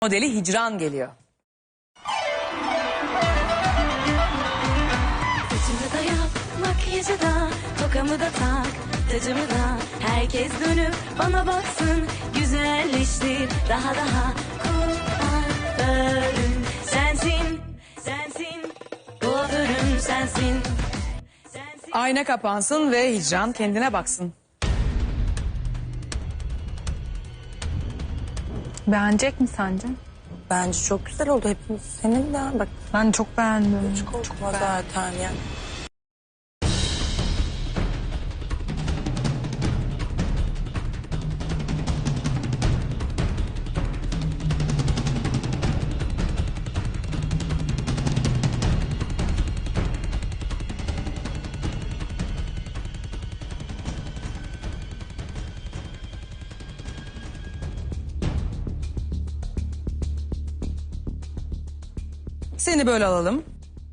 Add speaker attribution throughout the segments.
Speaker 1: Modeli Hicran geliyor.
Speaker 2: Saçımı da yap, makyajı da, tokamı da tak, tacımı da. Herkes dönüp bana baksın, güzelleştir daha daha. Kuaförüm sensin, sensin, kuaförüm sensin.
Speaker 1: Ayna kapansın ve Hicran kendine baksın.
Speaker 3: Beğenecek mi sence?
Speaker 4: Bence çok güzel oldu hepimiz. Senin de bak
Speaker 3: Ben çok beğendim.
Speaker 4: çok zaten yani.
Speaker 1: Seni böyle alalım.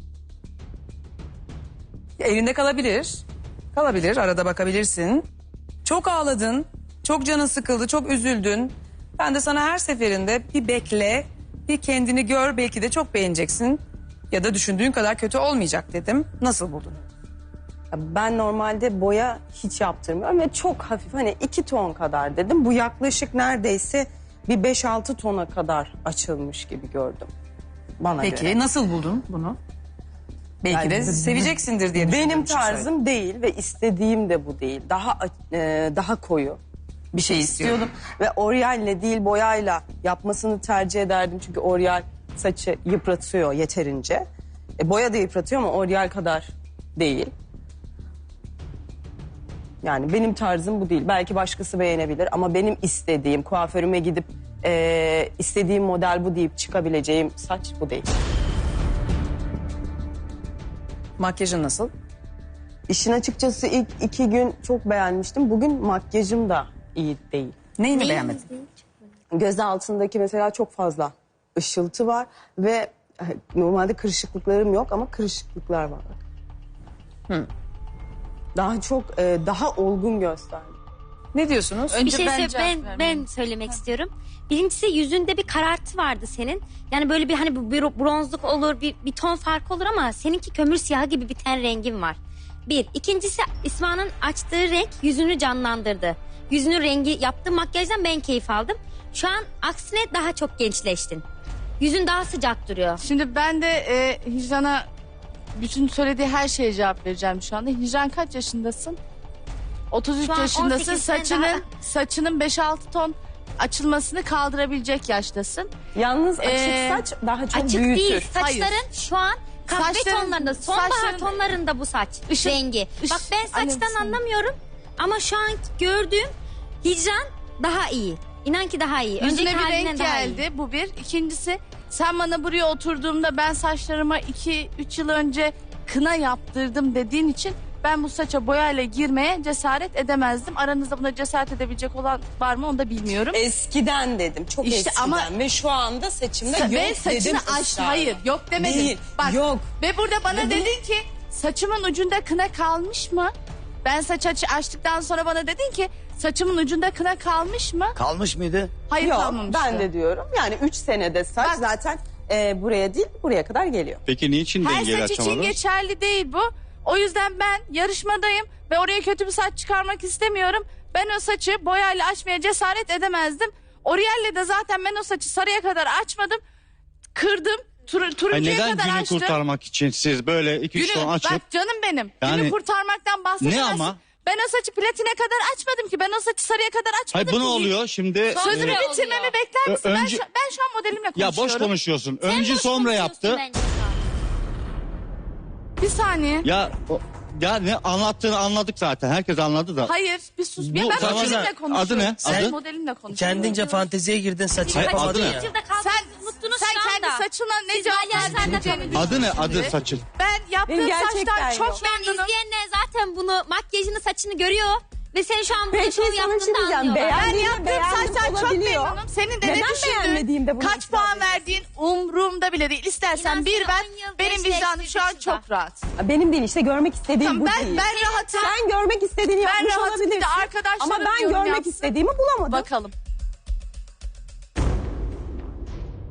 Speaker 1: Elinde kalabilir. Kalabilir, arada bakabilirsin. Çok ağladın, çok canın sıkıldı, çok üzüldün. Ben de sana her seferinde bir bekle, bir kendini gör, belki de çok beğeneceksin. Ya da düşündüğün kadar kötü olmayacak dedim. Nasıl buldun?
Speaker 4: Ben normalde boya hiç yaptırmıyorum ve çok hafif hani 2 ton kadar dedim. Bu yaklaşık neredeyse bir 5-6 tona kadar açılmış gibi gördüm. Bana
Speaker 1: Peki
Speaker 4: göre.
Speaker 1: nasıl buldun bunu? Belki de
Speaker 4: Yani
Speaker 1: seveceksindir diye düşündüğüm
Speaker 4: Benim
Speaker 1: için söyledim.
Speaker 4: tarzım değil ve istediğim de bu değil. Daha koyu
Speaker 1: Bir şey istiyordum.
Speaker 4: istiyordum. Ve oryalle değil boyayla yapmasını tercih ederdim. Çünkü oryal saçı yıpratıyor yeterince. Boya da yıpratıyor ama oryal kadar değil. Yani benim tarzım bu değil. Belki başkası beğenebilir ama benim istediğim, kuaförüme gidip istediğim model bu deyip çıkabileceğim saç bu değil.
Speaker 1: Makyajın nasıl?
Speaker 4: İşin açıkçası ilk 2 gün çok beğenmiştim. Bugün makyajım da iyi değil.
Speaker 1: Neyini beğenmedin?
Speaker 4: Göz altındaki mesela çok fazla ışıltı var ve normalde kırışıklıklarım yok ama kırışıklıklar var. Daha çok daha olgun gösterdi.
Speaker 1: Ne diyorsunuz?
Speaker 5: Bir şey ben söylemek istiyorum. Birincisi yüzünde bir karartı vardı senin. Yani böyle bir hani bir bronzluk olur, bir ton farkı olur ama seninki kömür siyahı gibi bir ten rengin var. Bir. İkincisi İsma'nın açtığı renk yüzünü canlandırdı. Yüzünün rengi yaptığı makyajdan ben keyif aldım. Şu an aksine daha çok gençleştin. Yüzün daha sıcak duruyor.
Speaker 3: Şimdi ben de Hicran'a bütün söylediği her şeye cevap vereceğim şu anda. Hicran kaç yaşındasın? 33
Speaker 5: Şu an
Speaker 3: yaşındasın.
Speaker 5: 18'den daha-
Speaker 3: Saçının 5-6 ton açılmasını kaldırabilecek yaştasın.
Speaker 4: Yalnız açık
Speaker 3: Ee,
Speaker 4: saç daha çok
Speaker 5: Açık
Speaker 4: büyütür.
Speaker 5: değil. Saçların şu an kahve
Speaker 3: Saçların-
Speaker 5: tonlarında, sonbahar
Speaker 3: saçların-
Speaker 5: tonlarında bu saç rengi. Bak ben saçtan
Speaker 3: Annem,
Speaker 5: anlamıyorum ama şu an gördüğüm Hicran daha iyi. İnan ki daha iyi.
Speaker 3: Yüzüne bir
Speaker 5: halinden
Speaker 3: renk
Speaker 5: daha
Speaker 3: geldi.
Speaker 5: iyi.
Speaker 3: Bu bir. İkincisi sen bana buraya oturduğumda ben saçlarıma 2-3 yıl önce kına yaptırdım dediğin için ben bu saça boyayla girmeye cesaret edemezdim. Aranızda buna cesaret edebilecek olan var mı onu da bilmiyorum.
Speaker 4: Eskiden dedim. Çok
Speaker 3: İşte
Speaker 4: eskiden
Speaker 3: ama-
Speaker 4: ve şu anda saçımda yok
Speaker 3: Ve
Speaker 4: dedim.
Speaker 3: saçını açtı.
Speaker 4: ısrarla.
Speaker 3: Hayır yok demedim.
Speaker 4: Değil,
Speaker 3: Bak,
Speaker 4: yok.
Speaker 3: Ve burada bana
Speaker 4: Ve
Speaker 3: dedin ki saçımın ucunda kına kalmış mı? Ben saç açtıktan sonra bana dedin ki saçımın ucunda kına kalmış mı?
Speaker 6: Kalmış mıydı?
Speaker 3: Hayır
Speaker 4: Yok
Speaker 3: kalmamıştı.
Speaker 4: ben de diyorum. Yani 3 senede saç
Speaker 3: Bak-
Speaker 4: zaten buraya değil buraya kadar geliyor.
Speaker 7: Peki niçin
Speaker 3: Her
Speaker 7: dengeli
Speaker 3: saç için
Speaker 7: açamadın?
Speaker 3: geçerli değil bu. O yüzden ben yarışmadayım ve oraya kötü bir saç çıkarmak istemiyorum. Ben o saçı boyayla açmaya cesaret edemezdim. Oriel'le de zaten ben o saçı sarıya kadar açmadım. Kırdım.
Speaker 7: Ay
Speaker 3: Turuncuya
Speaker 7: neden
Speaker 3: kadar
Speaker 7: günü
Speaker 3: açtım.
Speaker 7: kurtarmak için siz böyle 2-3 ton açıp
Speaker 3: Bak canım benim.
Speaker 7: Yani-
Speaker 3: Günü kurtarmaktan bahsedemezsin.
Speaker 7: Ne ama?
Speaker 3: Ben o saçı platine kadar açmadım ki. Ben o saçı sarıya kadar açmadım
Speaker 7: Hayır bu ne
Speaker 3: ki.
Speaker 7: oluyor şimdi?
Speaker 3: Sözümü
Speaker 7: e,
Speaker 3: bitirmemi bekler misin?
Speaker 7: önce-
Speaker 3: Ben şu an modelimle
Speaker 7: ya
Speaker 3: konuşuyorum.
Speaker 7: boş konuşuyorsun.
Speaker 5: Sen
Speaker 7: Önce
Speaker 5: boş
Speaker 7: sonra
Speaker 5: konuşuyorsun
Speaker 7: yaptı.
Speaker 5: bence şu an.
Speaker 3: Bir saniye.
Speaker 7: Ya ne anlattığını anladık zaten. Herkes anladı da.
Speaker 3: Hayır bir sus.
Speaker 7: Bu
Speaker 3: Ya ben
Speaker 7: saçın
Speaker 3: modelimle konuşuyorum.
Speaker 7: adı ne?
Speaker 3: Ben
Speaker 7: Adı?
Speaker 3: modelimle konuşuyorum.
Speaker 6: Kendince fanteziye girdin saçı
Speaker 7: Hayır,
Speaker 6: yapamadın
Speaker 7: adı ne?
Speaker 6: ya.
Speaker 5: Yılda kaldınız,
Speaker 3: Sen,
Speaker 5: unuttunuz
Speaker 3: sen
Speaker 5: şu anda.
Speaker 3: kendi saçına ne
Speaker 5: Siz
Speaker 3: cevap
Speaker 5: balyozlarda
Speaker 3: vereceğini
Speaker 5: kalın.
Speaker 7: Adı ne? Adı
Speaker 3: düşündün.
Speaker 7: saçın.
Speaker 3: Ben yaptığım
Speaker 4: Benim gerçekten
Speaker 3: saçtan
Speaker 4: yok.
Speaker 3: çok
Speaker 5: Ben
Speaker 3: memnunum.
Speaker 5: izleyenler zaten bunu makyajını saçını görüyor. Ve sen şu an burada
Speaker 4: Peki,
Speaker 5: şov
Speaker 4: sana bir şey
Speaker 5: yaptığını da
Speaker 4: diyeceğim.
Speaker 5: anlıyorlar.
Speaker 3: Ben
Speaker 4: Beğendiğim
Speaker 3: yaptığım
Speaker 4: beğendim
Speaker 3: saçtan çok
Speaker 4: olabiliyor.
Speaker 3: memnunum. Senin de ne
Speaker 4: Neden beğenmediğimde
Speaker 3: düşündüğün,
Speaker 4: bunu
Speaker 3: kaç
Speaker 4: itiraf
Speaker 3: puan
Speaker 4: ediyorsun?
Speaker 3: verdiğin umurumda bile değil. İstersen
Speaker 5: İnan
Speaker 3: bir
Speaker 5: seni
Speaker 3: ver.
Speaker 5: 10 yıl
Speaker 3: Benim vicdanım şu an
Speaker 5: gençleştirdik
Speaker 3: çok rahat.
Speaker 4: Benim değil işte görmek istediğim
Speaker 3: Tamam,
Speaker 4: bu
Speaker 3: ben
Speaker 4: değil.
Speaker 3: rahatım.
Speaker 4: Sen görmek istediğini
Speaker 3: Ben
Speaker 4: yapmış
Speaker 3: rahatım. Bir
Speaker 4: olabilirsin.
Speaker 3: de arkadaşlarım
Speaker 4: Ama ben
Speaker 3: yorum
Speaker 4: görmek
Speaker 3: yapsın.
Speaker 4: istediğimi bulamadım.
Speaker 3: Bakalım.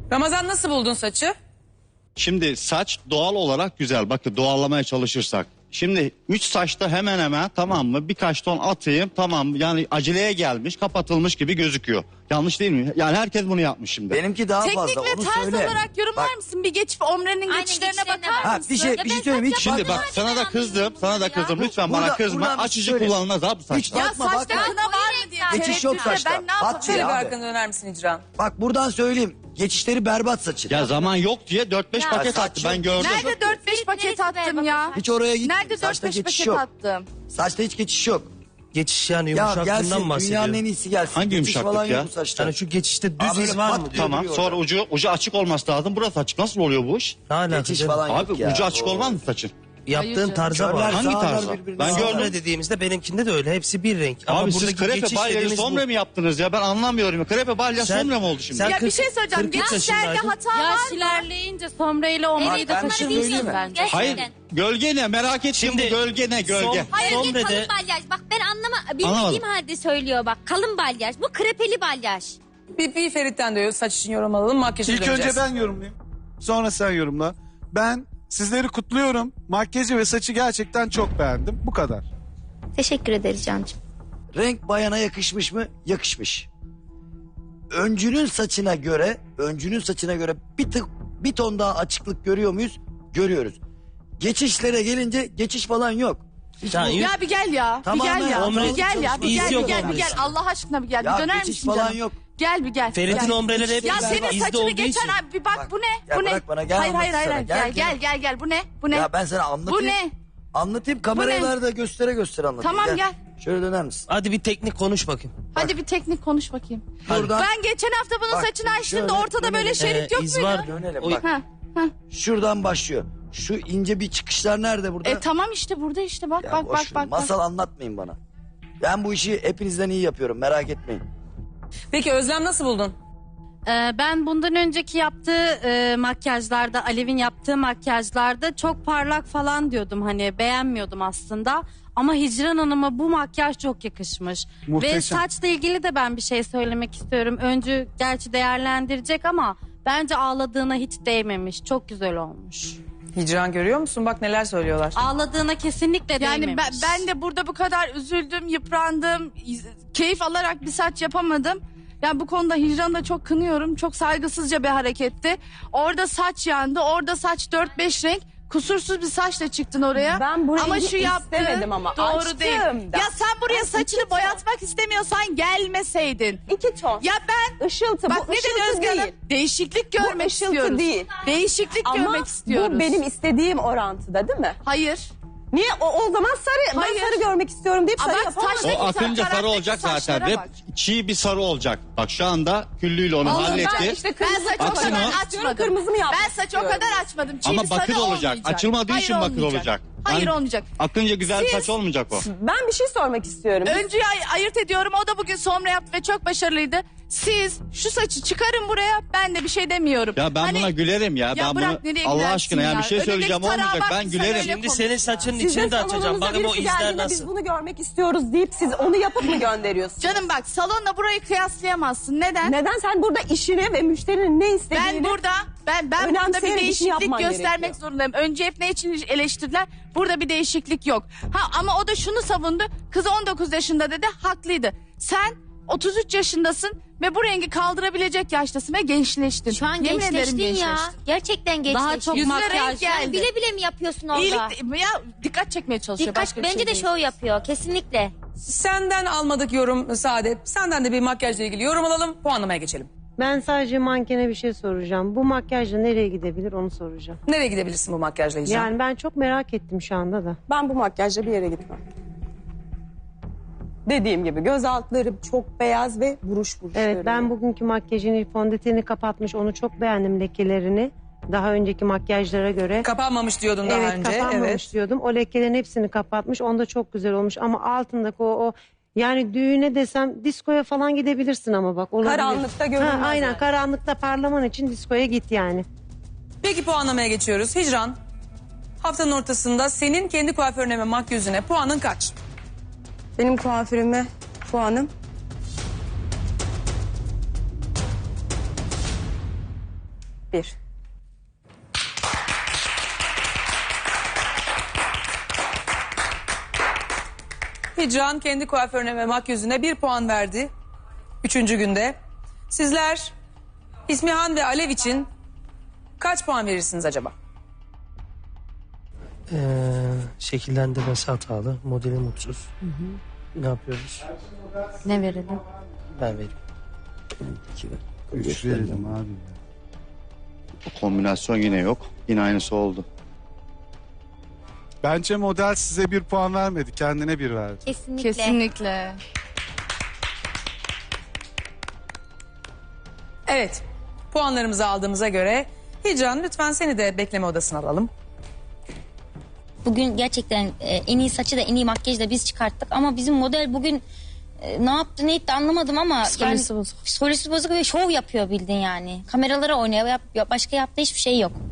Speaker 1: Ramazan nasıl buldun saçı?
Speaker 7: Şimdi saç doğal olarak güzel. Bakın doğallamaya çalışırsak. Şimdi 3 saçta hemen hemen tamam mı birkaç ton atayım tamam mı? Yani aceleye gelmiş kapatılmış gibi gözüküyor. Yanlış değil mi? Yani herkes bunu yapmış şimdi.
Speaker 8: Benimki daha
Speaker 3: Teknik
Speaker 8: fazla.
Speaker 3: ve
Speaker 8: Onu
Speaker 3: tarz
Speaker 8: söyle.
Speaker 3: olarak yorumlar
Speaker 8: Bak,
Speaker 3: mısın? Bir geçip omrenin
Speaker 5: Aynen,
Speaker 3: geçişlerine
Speaker 5: geçişlerine
Speaker 3: bakar
Speaker 5: bak.
Speaker 3: mısın?
Speaker 8: bir şey söyleyeyim. Hiç
Speaker 7: Şimdi
Speaker 8: bakma.
Speaker 7: bak sana da kızdım. Sana da kızdım. Lütfen bana
Speaker 8: Burada-
Speaker 7: kızma.
Speaker 8: buradan bir
Speaker 7: Açıcı
Speaker 8: söyle.
Speaker 7: kullanılmaz abi
Speaker 8: Hiç
Speaker 7: saçta.
Speaker 3: Ya
Speaker 8: bakma,
Speaker 3: saçta
Speaker 8: bakma.
Speaker 3: kına var mı diye
Speaker 8: Geçiş yok
Speaker 3: tereddütle
Speaker 8: saçta.
Speaker 3: ben ne yapayım?
Speaker 8: At
Speaker 1: Şöyle
Speaker 8: ya
Speaker 1: bir
Speaker 8: abi.
Speaker 1: arkanı döner misin Hicran?
Speaker 8: Bak buradan söyleyeyim. Geçişleri berbat saçın.
Speaker 7: Ya zaman yok diye 4-5
Speaker 5: Ya
Speaker 7: paket
Speaker 8: saç
Speaker 7: attı
Speaker 8: yok.
Speaker 7: ben gördüm.
Speaker 3: Nerede 4-5 paket
Speaker 5: Neresi
Speaker 3: attım
Speaker 5: be,
Speaker 3: ya?
Speaker 5: bak.
Speaker 8: Hiç oraya git.
Speaker 3: Nerede
Speaker 8: Saçta
Speaker 3: 4-5
Speaker 8: geçiş
Speaker 3: paket
Speaker 8: yok.
Speaker 3: attım?
Speaker 8: Saçta hiç geçiş yok.
Speaker 6: Geçiş yani
Speaker 8: Ya
Speaker 6: yumuşaklığından
Speaker 8: gelsin dünyanın
Speaker 6: bahsediyor.
Speaker 8: en iyisi gelsin.
Speaker 7: Hangi
Speaker 8: Geçiş
Speaker 7: yumuşaklık
Speaker 8: falan
Speaker 7: ya?
Speaker 8: yok bu saçta.
Speaker 6: Yani şu geçişte
Speaker 8: Abi
Speaker 6: düz
Speaker 8: böyle
Speaker 6: iz var
Speaker 8: pat
Speaker 6: mı?
Speaker 8: diyor.
Speaker 7: Tamam
Speaker 8: duruyor
Speaker 7: sonra
Speaker 8: orada.
Speaker 7: ucu açık olması lazım. Burası açık. Nasıl oluyor bu iş?
Speaker 6: Ne alaka
Speaker 8: Geçiş
Speaker 6: canım?
Speaker 8: falan
Speaker 7: Abi
Speaker 8: yok ya.
Speaker 7: ucu açık
Speaker 8: Oo.
Speaker 7: olmaz mı saçın?
Speaker 6: Yaptığın
Speaker 3: Hayır
Speaker 6: tarza
Speaker 8: Körler,
Speaker 6: var.
Speaker 7: Hangi
Speaker 8: sağlar
Speaker 7: tarzda?
Speaker 8: birbirine
Speaker 7: Ben
Speaker 8: sağlar.
Speaker 7: gördüm.
Speaker 6: Sombre dediğimizde benimkinde de öyle. Hepsi bir renk. Ama
Speaker 7: Abi siz
Speaker 6: buradaki
Speaker 7: krepe
Speaker 6: geçiş
Speaker 7: balya
Speaker 6: dediğimiz bu.
Speaker 7: sombre mi yaptınız ya? Ben anlamıyorum. Krepe balya
Speaker 6: Sen-
Speaker 7: sombre mi oldu şimdi?
Speaker 6: sen-
Speaker 3: Ya bir
Speaker 6: 40
Speaker 3: şey söyleyeceğim.
Speaker 6: 43
Speaker 3: Geçişlerde
Speaker 6: yaşındaydın.
Speaker 3: hata var
Speaker 9: Yaş
Speaker 3: mı?
Speaker 9: ilerleyince sombrayla omreyi de
Speaker 8: ben bir şey söyleyeyim
Speaker 9: taşımışsın
Speaker 8: mi?
Speaker 9: bence.
Speaker 5: Gerçekten.
Speaker 7: Hayır gölge ne? Merak ettim
Speaker 6: Şimdi-
Speaker 7: bu gölge ne? Gölge.
Speaker 5: Hayır bir
Speaker 6: Sombre
Speaker 5: kalın
Speaker 6: de-
Speaker 5: balyaj. Bak ben bilmediğim
Speaker 7: Anlamadım.
Speaker 5: halde söylüyor bak. Kalın balyaj. Bu krepeli balyaj.
Speaker 1: Bir Ferit'ten de saç için yorum alalım. Makyaja
Speaker 10: İlk
Speaker 1: döneceğiz.
Speaker 10: önce ben yorumlayayım. Sonra sen yorumla. Ben sizleri kutluyorum. Makyajı ve saçı gerçekten çok beğendim. Bu kadar.
Speaker 5: Teşekkür ederiz Cancığım.
Speaker 8: Renk bayana yakışmış mı? Yakışmış. Öncünün saçına göre bir ton daha açıklık görüyor muyuz? Görüyoruz. Geçişlere gelince geçiş falan yok. Hiç
Speaker 6: Ya,
Speaker 8: bu-
Speaker 3: Ya bir gel ya.
Speaker 8: Tamamen
Speaker 3: bir gel ya.
Speaker 6: omre-
Speaker 3: Bir gel ya. Bir
Speaker 6: İz
Speaker 3: gel,
Speaker 6: yok
Speaker 3: bir gel, bir
Speaker 6: omre.
Speaker 3: gel. Allah aşkına bir gel.
Speaker 8: Ya
Speaker 3: Bir döner
Speaker 8: geçiş
Speaker 3: misin
Speaker 8: falan
Speaker 3: canım?
Speaker 8: yok.
Speaker 3: Gel bir gel.
Speaker 6: Ferit'in
Speaker 3: Gel.
Speaker 6: ombreleri hep
Speaker 3: Ya
Speaker 6: izde
Speaker 3: senin
Speaker 6: olduğu
Speaker 3: saçını
Speaker 6: için.
Speaker 3: geçen ay bir bak
Speaker 8: Bak,
Speaker 3: bu ne?
Speaker 8: ya
Speaker 3: Bu ne?
Speaker 8: bırak bana, gel
Speaker 3: Hayır hayır
Speaker 8: anlatsana.
Speaker 3: hayır.
Speaker 8: Gel,
Speaker 3: Gel. Bu ne? Bu ne?
Speaker 8: Ya ben sana anlatayım.
Speaker 3: Bu ne?
Speaker 8: Anlatayım kameralarda göstere anlatayım.
Speaker 3: Tamam, gel.
Speaker 8: Şöyle döner misin?
Speaker 6: Hadi bir teknik konuş bakayım.
Speaker 3: Hadi bir teknik konuş bakayım.
Speaker 8: Buradan
Speaker 3: Ben geçen hafta bunun
Speaker 8: Bak,
Speaker 3: saçını açtığımda
Speaker 8: şöyle
Speaker 3: ortada böyle
Speaker 8: dönelim.
Speaker 3: şerit yok
Speaker 6: iz
Speaker 3: muydu?
Speaker 6: var.
Speaker 8: dönelim
Speaker 6: O-
Speaker 8: bak.
Speaker 3: Ha, ha.
Speaker 8: Şuradan başlıyor. Şu ince bir çıkışlar nerede burada?
Speaker 3: Tamam işte burada işte bak
Speaker 8: Ya
Speaker 3: bak
Speaker 8: boş
Speaker 3: bak
Speaker 8: ver,
Speaker 3: bak.
Speaker 8: Masal anlatmayın bana. Ben bu işi hepinizden iyi yapıyorum merak etmeyin.
Speaker 1: Peki Özlem nasıl buldun?
Speaker 9: Ben bundan önceki yaptığı makyajlarda, Alev'in yaptığı makyajlarda çok parlak falan diyordum. Hani beğenmiyordum aslında. Ama Hicran Hanım'a bu makyaj çok yakışmış.
Speaker 10: Muhteşem.
Speaker 9: Ve saçla ilgili de ben bir şey söylemek istiyorum. Öncü gerçi değerlendirecek ama bence ağladığına hiç değmemiş. Çok güzel olmuş.
Speaker 1: Hicran görüyor musun? Bak neler söylüyorlar.
Speaker 9: Ağladığına kesinlikle
Speaker 3: Yani
Speaker 9: değmemiş.
Speaker 3: ben de burada bu kadar üzüldüm, yıprandım, keyif alarak bir saç yapamadım. Yani bu konuda Hicran'ı da çok kınıyorum. Çok saygısızca bir hareketti. Orada saç yandı, orada saç 4-5 renk. Kusursuz bir saçla çıktın oraya.
Speaker 4: Ben bu
Speaker 3: ama
Speaker 4: rengi
Speaker 3: şu yaptığın
Speaker 4: istemedim ama
Speaker 3: doğru
Speaker 4: açtım
Speaker 3: değil.
Speaker 4: da.
Speaker 3: Ya sen buraya
Speaker 4: Ben
Speaker 3: saçını
Speaker 4: iki ton.
Speaker 3: boyatmak istemiyorsan gelmeseydin.
Speaker 4: 2 ton.
Speaker 3: Ya ben
Speaker 4: Işıltı.
Speaker 3: bak
Speaker 4: bu
Speaker 3: ne dedi
Speaker 4: ışıltı
Speaker 3: Özge Hanım?
Speaker 4: değil.
Speaker 3: Değişiklik görmek
Speaker 4: ışıltı
Speaker 3: istiyoruz.
Speaker 4: değil.
Speaker 3: Değişiklik
Speaker 4: Ama
Speaker 3: görmek istiyoruz.
Speaker 4: bu benim istediğim orantıda değil mi?
Speaker 3: Hayır.
Speaker 4: Niye? O zaman sarı.
Speaker 3: Hayır.
Speaker 4: Ben sarı görmek istiyorum deyip
Speaker 3: Ama
Speaker 4: sarı
Speaker 3: bak,
Speaker 4: yapamadım.
Speaker 3: saçta-
Speaker 7: O akınca sarı
Speaker 3: Karaktaki
Speaker 7: olacak zaten.
Speaker 3: saçlara
Speaker 7: Hep
Speaker 3: bak.
Speaker 7: çiğ bir sarı olacak. Bak şu anda küllüyle onu
Speaker 3: Oğlum,
Speaker 7: halletti.
Speaker 4: Ben işte
Speaker 3: Ben
Speaker 4: kırmızı
Speaker 3: saçı o
Speaker 7: Aksine
Speaker 3: kadar
Speaker 7: o-
Speaker 3: açmadım.
Speaker 4: Kırmızı mı yapmak
Speaker 3: Ben saçı o
Speaker 4: istiyorum?
Speaker 3: kadar açmadım. Çiğ
Speaker 7: Ama
Speaker 3: bir sarı
Speaker 7: bakır olacak.
Speaker 3: olmayacak.
Speaker 7: Açılmadığı
Speaker 3: Hayır,
Speaker 7: için bakır olacak.
Speaker 3: Hayır
Speaker 7: Yani
Speaker 3: olmayacak.
Speaker 7: akınca güzel
Speaker 3: Siz-
Speaker 7: saç olmayacak o.
Speaker 4: Ben bir şey sormak istiyorum.
Speaker 3: Öncüyü ayırt ediyorum. O da bugün somra yaptı ve çok başarılıydı. Siz şu saçı çıkarın buraya. Ben de bir şey demiyorum.
Speaker 7: Ya ben
Speaker 3: Hani-
Speaker 7: buna gülerim ya.
Speaker 3: Ya
Speaker 7: Ben
Speaker 3: bırak,
Speaker 7: bunu
Speaker 3: nereye
Speaker 7: Allah
Speaker 3: gidersin
Speaker 7: aşkına
Speaker 3: ya?
Speaker 7: yani bir şey
Speaker 3: Önündeki
Speaker 7: söyleyeceğim
Speaker 3: tarağa
Speaker 7: olmayacak.
Speaker 3: bak,
Speaker 7: Ben
Speaker 3: sen
Speaker 7: gülerim.
Speaker 3: öyle
Speaker 6: Şimdi
Speaker 3: konuş
Speaker 6: senin
Speaker 3: ya.
Speaker 6: saçının
Speaker 4: Siz
Speaker 6: içini de
Speaker 4: de
Speaker 6: açacağım.
Speaker 4: salonunuza
Speaker 6: Bakın o
Speaker 4: birisi
Speaker 6: izler
Speaker 4: geldiğinde
Speaker 6: nasıl.
Speaker 4: biz bunu görmek istiyoruz deyip siz onu yapıp mı gönderiyorsunuz?
Speaker 3: Canım bak salonla burayı kıyaslayamazsın. Neden?
Speaker 4: Neden sen burada işini ve müşterinin ne istediğini...
Speaker 3: Ben burada burada bir
Speaker 4: önemseyerek işini
Speaker 3: değişiklik
Speaker 4: yapman
Speaker 3: göstermek
Speaker 4: gerekiyor.
Speaker 3: zorundayım. Önce hep ne için eleştirdiler? Burada bir değişiklik yok. Ama o da şunu savundu. Kız 19 yaşında dedi. Haklıydı. Sen 33 yaşındasın ve bu rengi kaldırabilecek yaştasın ve gençleştin.
Speaker 5: Şu an
Speaker 3: Yemin ederim
Speaker 5: gençleştin ya.
Speaker 3: gençleştin.
Speaker 5: Gerçekten gençleştin.
Speaker 9: Daha çok
Speaker 3: Yüzüne
Speaker 9: makyaj.
Speaker 3: renk geldi.
Speaker 5: Bile bile mi yapıyorsun orada?
Speaker 3: İyilik, ya dikkat çekmeye çalışıyor.
Speaker 5: Dikkat,
Speaker 3: başka bir
Speaker 5: bence
Speaker 3: şey
Speaker 5: de
Speaker 3: değil.
Speaker 5: şov yapıyor kesinlikle.
Speaker 1: Senden almadık yorum Saadet. Senden de bir makyajla ilgili yorum alalım. Puanlamaya geçelim.
Speaker 11: Ben sadece mankene bir şey soracağım. Bu makyajla nereye gidebilir onu soracağım.
Speaker 1: Nereye gidebilirsin bu makyajla Hicran?
Speaker 11: Yani ben çok merak ettim şu anda da.
Speaker 4: Ben bu makyajla bir yere gitmem. Dediğim gibi göz altları çok beyaz ve buruş buruş.
Speaker 11: Evet ben bugünkü makyajını, fondöteni kapatmış. Onu çok beğendim lekelerini. Daha önceki makyajlara göre.
Speaker 1: Kapanmamış diyordun daha
Speaker 11: Evet
Speaker 1: önce.
Speaker 11: kapanmamış
Speaker 1: Evet.
Speaker 11: diyordum. O lekelerin hepsini kapatmış. Onda çok güzel olmuş. Ama altındaki o yani düğüne desem diskoya falan gidebilirsin ama bak. Olabilir.
Speaker 4: Karanlıkta görünmez
Speaker 11: Aynen
Speaker 4: yani.
Speaker 11: karanlıkta parlaman için diskoya git yani.
Speaker 1: Peki puanlamaya geçiyoruz. Hicran, haftanın ortasında senin kendi kuaförüne ve makyözüne puanın kaç?
Speaker 4: Benim kuaförüme puanım 4. 1.
Speaker 1: Hicran kendi kuaförüne ve makyözüne 1 puan verdi. 3. günde. Sizler İsmihan ve Alev için kaç puan verirsiniz acaba?
Speaker 6: Şekillendirmesi hatalı. Modeli mutsuz. Ne yapıyoruz?
Speaker 9: Ne verelim?
Speaker 6: Ben vereyim.
Speaker 10: 3 verelim abi.
Speaker 7: Bu kombinasyon yine yok. Yine aynısı oldu.
Speaker 10: Bence model size 1 puan vermedi. Kendine 1 verdi.
Speaker 5: Kesinlikle.
Speaker 3: Kesinlikle.
Speaker 1: Evet. Puanlarımızı aldığımıza göre Hicran lütfen seni de bekleme odasına alalım.
Speaker 5: Bugün gerçekten en iyi saçı da en iyi makyajı da biz çıkarttık. Ama bizim model bugün ne yaptı ne etti anlamadım ama.
Speaker 3: Psikolojisi bozuk.
Speaker 5: Psikolojisi bozuk ve şov yapıyor bildin yani. Kameralara oynuyor. Başka yaptığı hiçbir şey yok.